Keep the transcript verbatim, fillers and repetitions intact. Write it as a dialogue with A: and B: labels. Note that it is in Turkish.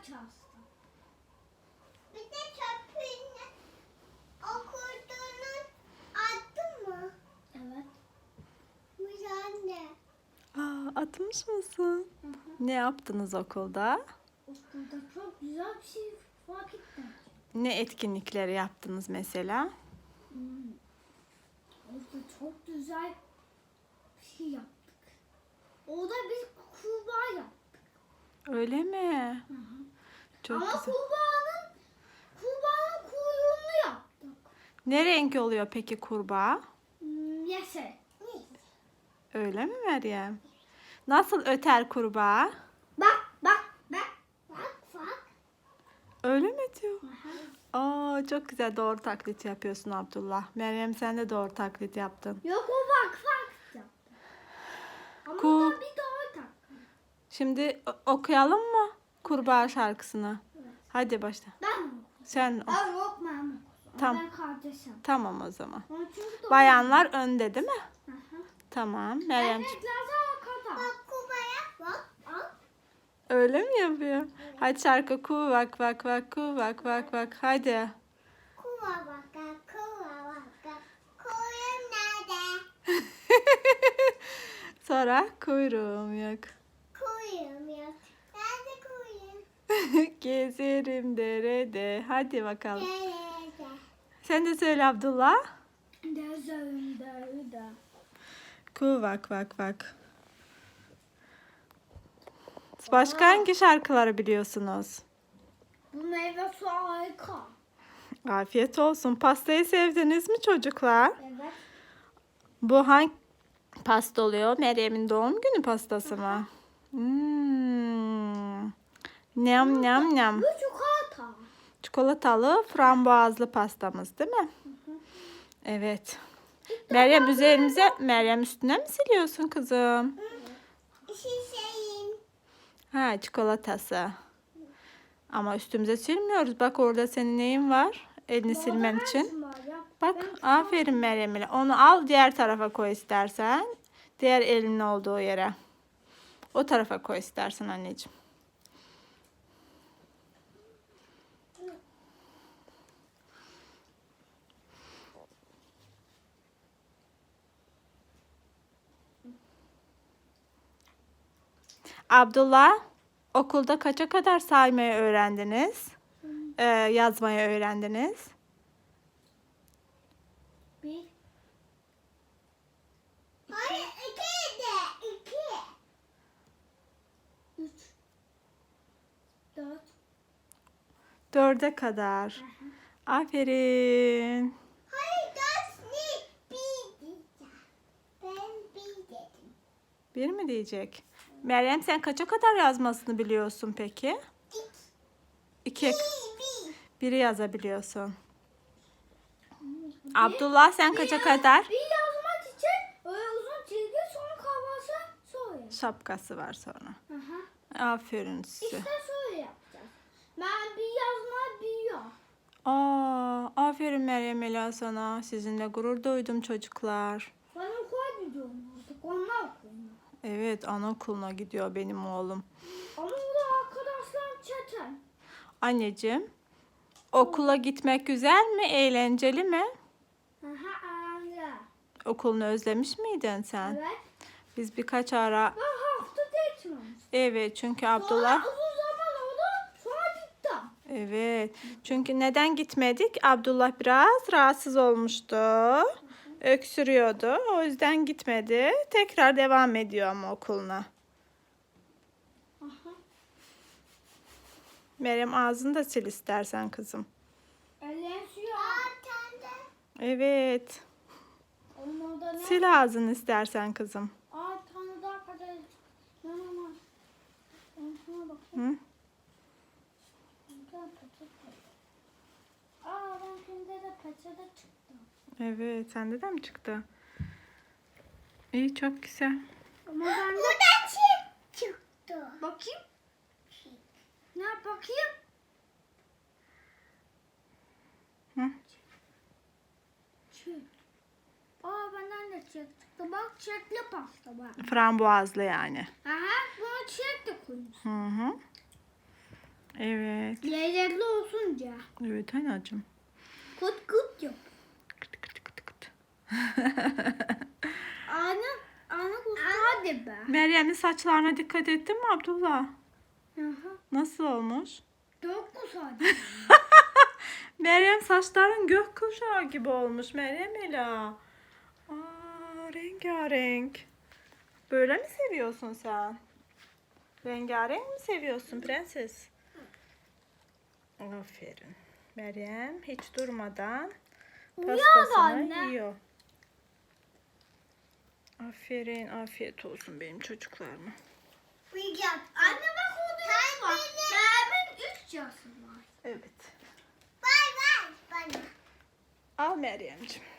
A: çalıştım. Bir de çöpünü okuduğunu attın mı? Evet. Güzel.
B: Aa, atmış mısın?
A: Hı hı.
B: Ne yaptınız okulda?
A: Okulda çok güzel bir şey fark ettim.
B: Ne etkinlikleri yaptınız mesela?
A: Hmm. Orada çok güzel bir şey yaptık. Orada biz kurbağa yaptık.
B: Öyle mi?
A: Hı hı.
B: Çok
A: Ama
B: güzel.
A: kurbağanın kurbağanın kuyruğunu yaptık.
B: Ne renk oluyor peki kurbağa?
A: Hmm, yeşil.
B: Öyle mi Meryem? Nasıl öter kurbağa?
A: Bak bak bak. Bak bak.
B: Öyle mi diyor?
A: Hı hı.
B: Aa, çok güzel, doğru taklit yapıyorsun Abdullah. Meryem, sen de doğru taklit yaptın.
A: Yok o bak bak yaptı. Ama
B: Ku-
A: da bir daha tak.
B: Şimdi o- okuyalım mı kurbağa şarkısını?
A: Evet.
B: Hadi başla.
A: Ben mi?
B: Sen ok.
A: Ben yok ben mi?
B: Tamam.
A: Ben kardeşim.
B: Tamam o zaman.
A: Onun çünkü doğru.
B: Bayanlar önde değil mi?
A: Hı hı.
B: Tamam. Meryem,
A: Erkekler de arkada. Bak kubaya bak. Bak.
B: öyle mi yapıyor? Hadi şarkı ku vak vak vak ku vak vak vak. Hadi.
A: Kuva baka kuva baka. Kuyum nerede?
B: Sonra kuyruğum yok.
A: Kuyum yok. Nerede kuyum?
B: Gezerim derede. Hadi bakalım.
A: Nerede?
B: Sen de söyle Abdullah.
A: Dezerim derede.
B: Ku vak vak vak. Başka hangi şarkıları biliyorsunuz?
A: Bu meyve su harika.
B: Afiyet olsun. Pastayı sevdiniz mi çocuklar?
A: Evet.
B: Bu hangi pasta oluyor? Meryem'in doğum günü pastası mı? Hmm. Nyam nyam nyam.
A: Bu çikolata.
B: Çikolatalı frambuazlı pastamız değil mi? Evet. Meryem, üzerimize, Meryem üstüne mi siliyorsun kızım?
A: Şişeyim.
B: Ha, çikolatası. Ama üstümüze silmiyoruz. Bak orada senin neyin var? Elini silmen için. Bak, aferin Meryem'le. Onu al, diğer tarafa koy istersen. Diğer elinin olduğu yere. O tarafa koy istersen anneciğim. Abdullah, okulda kaça kadar saymayı öğrendiniz? Ee, yazmayı öğrendiniz?
A: Bir. Hayır, iki de. İki. Üç. Dört.
B: Dörde kadar. Aferin.
A: Hayır, dört ne? Bir diyeceğim. Ben bir dedim.
B: Bir mi diyecek? Meryem, sen kaça kadar yazmasını biliyorsun peki?
A: İki.
B: İki.
A: Bir, bir.
B: Biri yazabiliyorsun. Abdullah, sen kaça kadar?
A: Bir yazmak için öyle uzun çizgi sonra kavası sonra.
B: Şapkası var sonra.
A: Hı hı.
B: Aferin size.
A: İşte şöyle yapacağız. Ben bir yazma bir yok.
B: Aa, aferin Meryem Ela sana. Sizinle gurur duydum çocuklar.
A: Ben okula gidiyorum artık. Onlar okuyor.
B: Evet, anaokuluna gidiyor benim oğlum.
A: Ama burada arkadaşlar çeten.
B: Anneciğim, okula gitmek güzel mi, eğlenceli mi?
A: Hı hı, öyle.
B: Okulunu özlemiş miydin sen?
A: Evet.
B: Biz birkaç ara...
A: Ben hafta geçmemiş.
B: Evet, çünkü
A: Sonra
B: Abdullah...
A: uzun zaman oldu. Sonra gittim.
B: Evet, çünkü neden gitmedik? Abdullah biraz rahatsız olmuştu. Öksürüyordu. O yüzden gitmedi. Tekrar devam ediyor ama okuluna.
A: Aha.
B: Meryem, ağzını da sil istersen kızım.
A: Ellerim suyu. Aa, tende.
B: Evet.
A: Onun orada ne?
B: Sil ağzını istersen kızım.
A: Aa, tane daha kadar. Ne var? Şuna bakayım.
B: Hı?
A: Buradan peçete. Aa, ben şimdi de peçete çıktı.
B: Evet, sende de mi çıktı? İyi, çok güzel.
A: Ama ben de... Buradan çift çıktı. Bakayım. Ne bakayım?
B: Hı?
A: Çift. Aa, benden de çift çıktı. Bak, çiftli pasta var.
B: Frambuazlı yani.
A: Aha, buna çift de koymuş.
B: Hı hı. Evet.
A: Lezzetli olsunca.
B: Evet anacığım.
A: Kut kut yap.
B: Kıt kıt kıt kıt.
A: Ana, ana kustu hadi be.
B: Meryem'in saçlarına dikkat ettin mi Abdullah?
A: Hı hı.
B: Nasıl olmuş?
A: Çok güzel.
B: Meryem saçların gökkuşağı gibi olmuş Meryem Ela. Aa, rengarenk. Böyle mi seviyorsun sen? Rengarenk mi seviyorsun prenses? Aferin. Meryem hiç durmadan pastasını
A: anne.
B: yiyor. Aferin, afiyet olsun benim çocuklarıma.
A: Anne bak orada var. Benim üç yaşım var.
B: Evet.
A: Bay bay bana.
B: Al Meryemciğim.